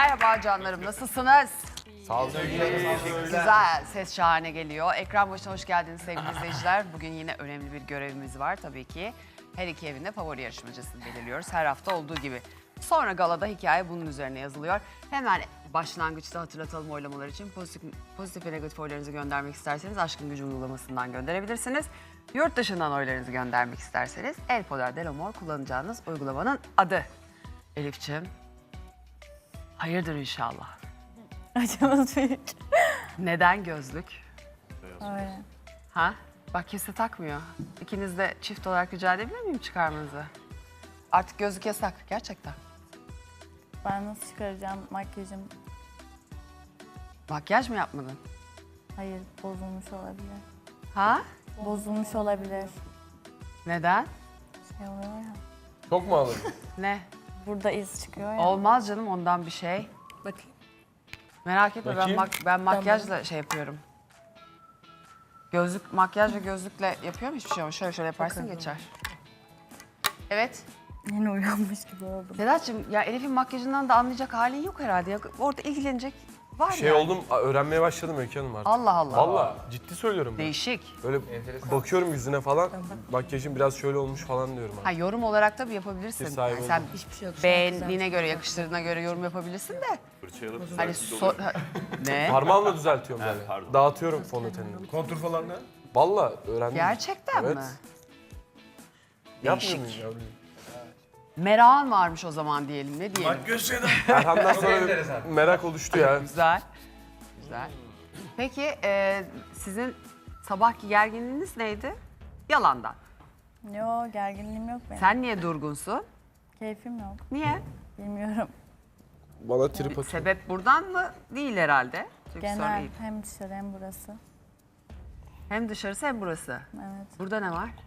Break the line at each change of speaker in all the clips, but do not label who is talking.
Merhaba canlarım, nasılsınız?
Sağ olun.
Güzel, ses şahane geliyor. Ekran başına hoş geldiniz sevgili izleyiciler. Bugün yine önemli bir görevimiz var tabii ki. Her iki evinde favori yarışmacısını belirliyoruz her hafta olduğu gibi. Sonra galada hikaye bunun üzerine yazılıyor. Hemen başlangıçta hatırlatalım oylamalar için. Pozitif ve negatif oylarınızı göndermek isterseniz Aşkın Gücü uygulamasından gönderebilirsiniz. Yurt dışından oylarınızı göndermek isterseniz El Poder del Amor kullanacağınız uygulamanın adı. Elif'ciğim, hayırdır inşallah.
Acımız büyük.
Neden gözlük?
Öyle.
Ha? Bak kimse takmıyor. İkiniz de çift olarak rica edebilir miyim çıkarmanızı? Artık gözlük yasak gerçekten.
Ben nasıl çıkaracağım makyajım?
Makyaj mı yapmadın?
Hayır, bozulmuş olabilir.
Ha?
Bozulmuş olabilir.
Neden?
Şey oluyor ya.
Çok mu alın?
Ne?
Burada iz çıkıyor ya.
Olmaz canım ondan bir şey.
Bakayım.
Merak etme
Bakayım.
ben makyajla şey yapıyorum. Gözlük, makyaj ve gözlükle yapıyorum hiçbir şey ama şöyle yaparsın geçer. Evet.
Yeni uyanmış gibi oldum.
Sedat'cığım ya Elif'in makyajından da anlayacak halin yok herhalde. Ya, orada ilgilenecek var
Şey
yani.
oldum, öğrenmeye başladım Öykü Hanım artık.
Allah Allah.
Valla ciddi söylüyorum ben.
Değişik.
Böyle bakıyorum yüzüne falan, makyajım biraz şöyle olmuş falan diyorum.
Ha yorum olarak tabii yapabilirsin.
Bir sahibi
Yani sen
oldum.
Hiçbir şey yok.
beğendiğine göre, yakıştırdığına göre yorum yapabilirsin de. Hani ne?
Parmağımla düzeltiyorum yani. Dağıtıyorum fondötenini.
Kontur falan ne?
Valla öğrendim.
Gerçekten
Evet.
mi?
Yapmıyor
Değişik.
muyum yavrum?
Merakın varmış o zaman diyelim. Ne diyelim?
Gösterdim.
Erhan'dan sonra bir merak oluştu ya.
Güzel. Güzel. Peki sizin sabahki gerginliğiniz neydi? Yalandan.
Yok, gerginliğim yok benim.
Sen niye durgunsun?
Keyfim yok.
Niye?
Bilmiyorum.
Bana trip atıyor.
Sebep buradan mı? Değil herhalde. Çünkü sonra
Genel
iyi.
hem dışarı hem burası.
Hem dışarısı hem burası.
Evet.
Burada ne var?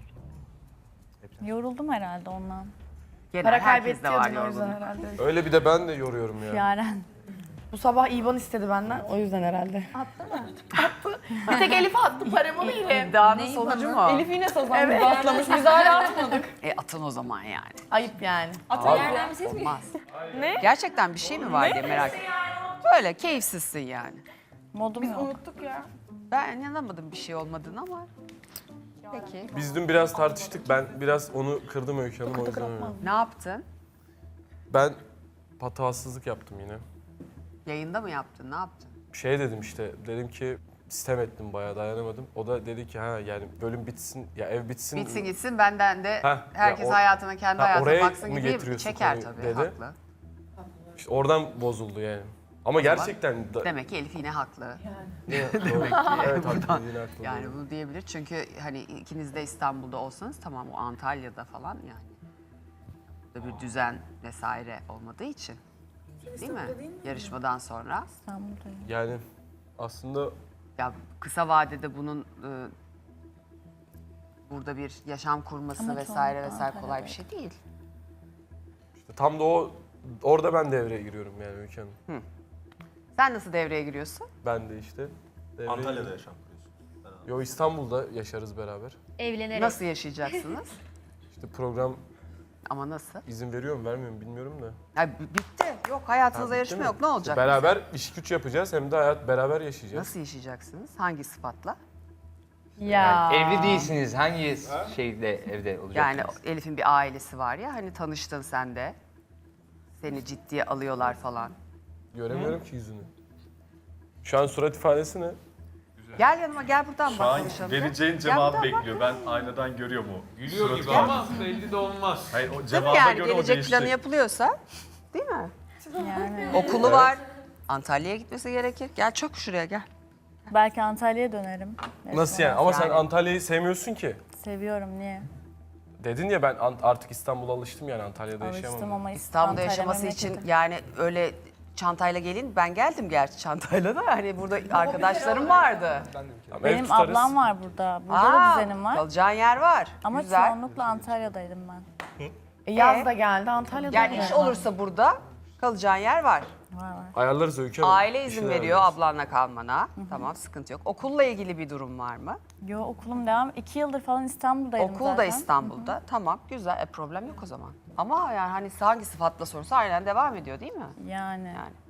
Yoruldum herhalde ondan.
Genel herkes de var yorgunluk.
herhalde.
Öyle bir de ben de yoruyorum ya.
Yaren.
Bu sabah İvan istedi benden. O yüzden herhalde. Attı mı? Attı. Bir tek Elif attı. Paramı verin.
İddianın sonucu mu?
Elif yine sazandı. Bastlamış. Biz hala atmadık.
Atın o zaman yani.
Ayıp yani.
Olmaz. Ne? Gerçekten bir şey mi var diye merak ettim. Böyle keyifsizsin yani.
Modum yok.
Unuttuk ya.
Ben inanamadım bir şey olmadığını ama. Peki.
Biz dün biraz tartıştık. Ben biraz onu kırdım Öykü Hanım o yüzden öyle.
Ne yaptın?
Ben patavatsızlık yaptım yine.
Yayında mı yaptın? Ne yaptın?
Şey dedim işte, dedim ki sitem ettim bayağı dayanamadım. O da dedi ki ha yani bölüm bitsin, ya ev bitsin.
Bitsin gitsin benden de
Heh,
herkes
ya o-
hayatına kendi hayatına
oraya
baksın
mı
gibi
getiriyorsun
çeker
konuyu
tabii.
dedi.
Haklı.
İşte oradan bozuldu yani. Ama gerçekten
Demek ki Elif yine haklı.
evet, haklı, yine haklı.
Yani bunu diyebilir çünkü hani ikiniz de İstanbul'da olsanız tamam o Antalya'da falan yani. Burada bir düzen vesaire olmadığı için. Değil mi? Yarışmadan sonra.
İstanbul'dayım.
Yani aslında
Ya kısa vadede bunun burada bir yaşam kurması
Ama
vesaire
çoğunlukla
vesaire kolay bir
Antalya'dayım.
şey değil.
işte tam da orada ben devreye giriyorum yani Öykü Hanım.
Sen nasıl devreye giriyorsun?
Ben de işte devreye
Antalya'da yaşam kuruyorsun.
Yo İstanbul'da yaşarız beraber.
Evlenerek.
Nasıl yaşayacaksınız?
İşte program
Ama nasıl?
izin veriyor mu vermiyor mu bilmiyorum da.
Ya bitti. Yok hayatınızda
Ha, bitti
yarışma
mi?
yok. Ne olacak?
Beraber iş güç yapacağız hem de hayat beraber yaşayacağız.
Nasıl yaşayacaksınız? Hangi sıfatla?
Ya.
Evli değilsiniz. Hangi şeyde evde
Yani
olacaksınız?
Elif'in bir ailesi var ya hani tanıştın sen de. Seni ciddiye alıyorlar falan.
Göremiyorum ki yüzünü. Şu an surat ifadesi ne?
Gel yanıma gel buradan
Şu
bak
an
konuşalım.
vereceğin
Gel
cevabı
buradan bak.
bekliyor. Ben aynadan görüyor mu?
Gülüyor
Suratı
gibi
var.
ama belli de olmaz.
Hayır o
Değil mi
cevaba
yani
göre o
gelecek
değişecek.
planı yapılıyorsa değil mi?
Yani.
Okulu var. Antalya'ya gitmesi gerekir. Gel çok şuraya gel.
Belki Antalya'ya dönerim.
Nasıl yani? Ama sen
Yani.
Antalya'yı sevmiyorsun ki.
Seviyorum, niye?
Dedin ya ben artık İstanbul'a alıştım yani Antalya'da
Alıştım
yaşayamam.
ama
İstanbul'da
Antalya
yaşaması için
memleketim.
yani öyle çantayla gelin. Ben geldim gerçi çantayla da hani burada arkadaşlarım vardı.
Tamam, ev
Benim
tutarız.
ablam var burada. Burada da düzenim var.
Kalacağın yer var.
Ama
Güzel.
çoğunlukla Antalya'daydım ben.
Yaz da geldi. Antalya'da
Yani iş olursa burada kalacağın yer var.
Var.
Ayarlarız Öykü Hanım.
Aile izin
İşini
veriyor
ayarlarız.
ablanla kalmana. Tamam sıkıntı yok. Okulla ilgili bir durum var mı?
Yo, okulum devam. 2 yıldır falan İstanbul'daydım
Okul da
zaten.
İstanbul'da. Tamam güzel. Problem yok o zaman. Ama yani hani hangi sıfatla sorsa aynen devam ediyor değil mi?
Yani.
Yani.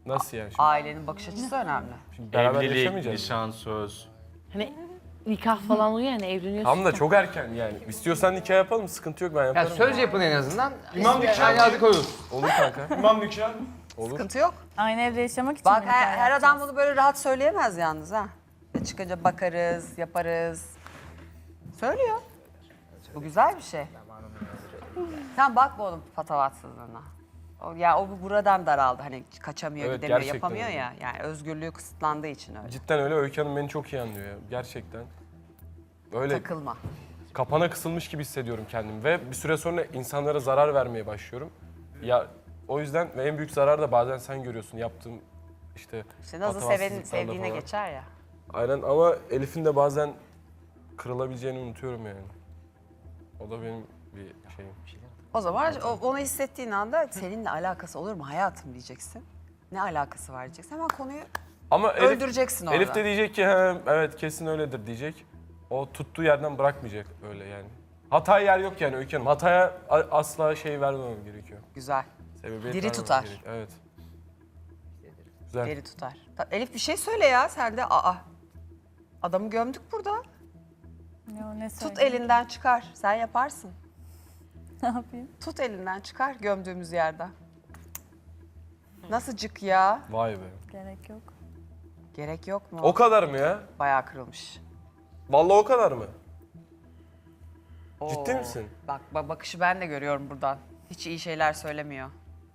Nasıl yani şimdi?
Ailenin bakış açısı önemli.
Şimdi beraber
Evlilik,
yaşamayacağız.
nişan, söz.
Hani nikah falan oluyor yani evleniyorsun.
Tam da çok erken yani. İstiyorsan nikah yapalım, sıkıntı yok ben
Ya
yaparım.
söz yapın en azından.
İmam nikahı.
Yani adı koyulur.
Olur kanka.
İmam nikahı.
Olur.
Sıkıntı yok.
Aynı evde yaşamak için
Bak
mi nikah
her adam
yapacağız?
bunu böyle rahat söyleyemez yalnız ha. Çıkınca bakarız, yaparız. Söylüyor. Bu güzel bir şey. Sen bakma onun patavatsızlığına. O buradan daraldı. Hani kaçamıyor,
Evet,
gidemiyor,
gerçekten
yapamıyor
öyle.
ya. Yani özgürlüğü kısıtlandığı için öyle.
Cidden öyle. Öykü Hanım beni çok iyi anlıyor ya. Gerçekten. Öyle
Takılma.
kapana kısılmış gibi hissediyorum kendimi ve bir süre sonra insanlara zarar vermeye başlıyorum. Ya o yüzden ve en büyük zarar da bazen sen görüyorsun yaptığım işte
İşte nasıl
patavatsızlıklarla
sevdiğine
falan.
geçer ya.
Aynen ama Elif'in de bazen kırılabileceğini unutuyorum yani. O da benim bir şeyim.
O zaman onu hissettiğin anda seninle alakası olur mu hayatım diyeceksin. Ne alakası var diyeceksin. Hemen konuyu
Ama Elif,
öldüreceksin orada.
Elif de diyecek ki "He, evet kesin öyledir diyecek. O tuttuğu yerden bırakmayacak öyle yani. Hataya yer yok yani Öykü Hanım. Hataya asla şey vermemem gerekiyor.
Güzel.
Sebebiyet
Diri
vermemem
tutar.
gerek- Evet. Güzel.
Deri tutar. Elif bir şey söyle ya sen de. Adamı gömdük burada.
Ne
Tut
söyleyeyim?
elinden çıkar. Sen yaparsın.
Ne yapayım?
Tut elinden çıkar gömdüğümüz yerden. Nasıl cık ya?
Vay be.
Gerek yok.
Gerek yok mu?
O kadar mı ya?
Bayağı kırılmış.
Vallahi o kadar mı? Ciddi
Oo.
misin?
Bak bakışı ben de görüyorum buradan. Hiç iyi şeyler söylemiyor.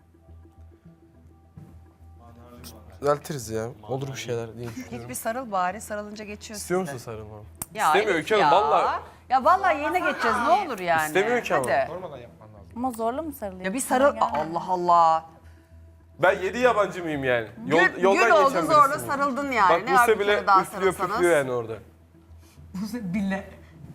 Düzeltiriz ya. Olur bir şeyler diye düşünüyorum.
Git bir sarıl bari. Sarılınca geçiyor
İstiyor
size.
musun sarılmamı?
Ya
İstemiyor
Elif
Öykü Hanım
ya.
valla.
Ya vallahi yine geçeceğiz ne olur yani.
İstemiyor ki ama.
Hadi.
Ama zorla mı sarılayım?
Ya bir sarıl.
Bana gelmiyor.
Allah Allah.
Ben 7 yabancı mıyım yani?
Gün
Yoldan
oldu
geçen
zorla
birisiyim.
sarıldın yani.
Bak
Ne var
Buse
bir
bile
kere daha
üflüyor
sarılsanız?
püflüyor yani orada.
Bile.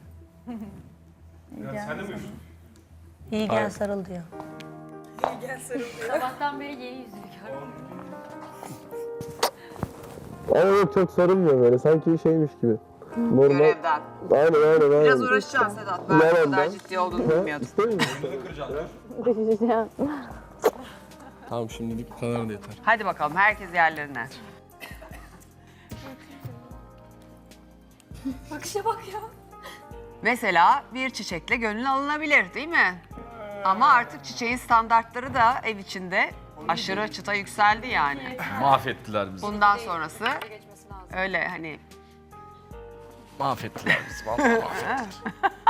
Sen de mi üflüyorsun?
İyi
Aynen.
gel sarıl diyor.
Sabahtan beri yeni yüzünü gördüm.
Ama yok çok sarılmıyor böyle sanki şeymiş gibi. Normal.
Görevden.
Aynen.
Biraz uğraşacağım Sedat. Ben bu kadar ciddi olduğunu bilmiyordum.
İstemiyor musun? Tamam şimdilik bu kadar da yeter.
Hadi bakalım herkes yerlerine.
Bakışa bak ya.
Mesela bir çiçekle gönül alınabilir değil mi? Ama artık çiçeğin standartları da ev içinde aşırı çıta yükseldi yani.
Mahvettiler bizi.
Bundan sonrası
Geçmesi lazım.
öyle hani
Mahvettiler bizi vallahi mahvettiler.